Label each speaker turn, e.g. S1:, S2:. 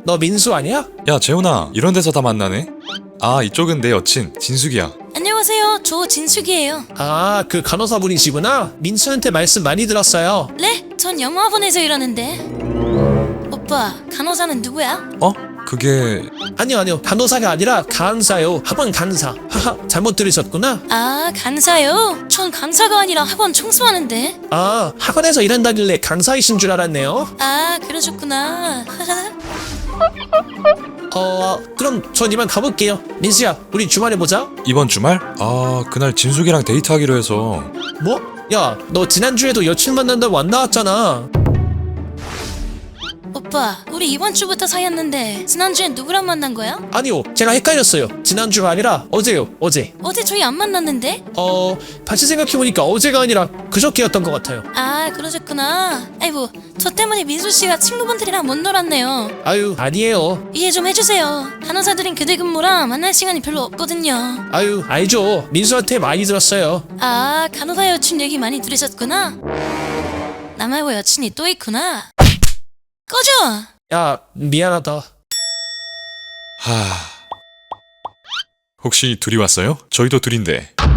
S1: 너 민수 아니야?
S2: 야 재훈아, 이런 데서 다 만나네? 아, 이쪽은 내 여친 진숙이야.
S3: 안녕하세요. 저 진숙이에요.
S1: 아, 그 간호사분이시구나. 민수한테 말씀 많이 들었어요.
S3: 네? 전 영어학원에서 일하는데. 오빠, 간호사는 누구야?
S2: 어? 그게...
S1: 아니요. 간호사가 아니라 간사요. 학원 간사. 하하, 잘못 들으셨구나.
S3: 아, 간사요? 전 간사가 아니라 학원 청소하는데.
S1: 아, 학원에서 일한다길래 간사이신 줄 알았네요.
S3: 아, 그러셨구나.
S1: 그럼 전 이만 가볼게요. 민수야, 우리 주말에 보자.
S2: 이번 주말? 아, 그날 진숙이랑 데이트하기로 해서.
S1: 뭐? 야, 너 지난주에도 여친 만난다고 안 나왔잖아.
S3: 오빠, 우리 이번 주부터 사귀었는데 지난주엔 누구랑 만난 거야?
S1: 아니요, 제가 헷갈렸어요. 지난주가 아니라 어제요, 어제.
S3: 어제 저희 안 만났는데?
S1: 다시 생각해보니까 어제가 아니라 그저께였던 것 같아요.
S3: 아, 그러셨구나. 아이고, 저 때문에 민수 씨가 친구분들이랑 못 놀았네요.
S1: 아유, 아니에요.
S3: 이해 좀 해주세요. 간호사들은 교대 근무라 만날 시간이 별로 없거든요.
S1: 아유, 알죠. 민수한테 많이 들었어요.
S3: 아, 간호사 여친 얘기 많이 들으셨구나. 나 말고 여친이 또 있구나. 꺼져!
S1: 야, 미안하다.
S2: 하... 혹시 둘이 왔어요? 저희도 둘인데.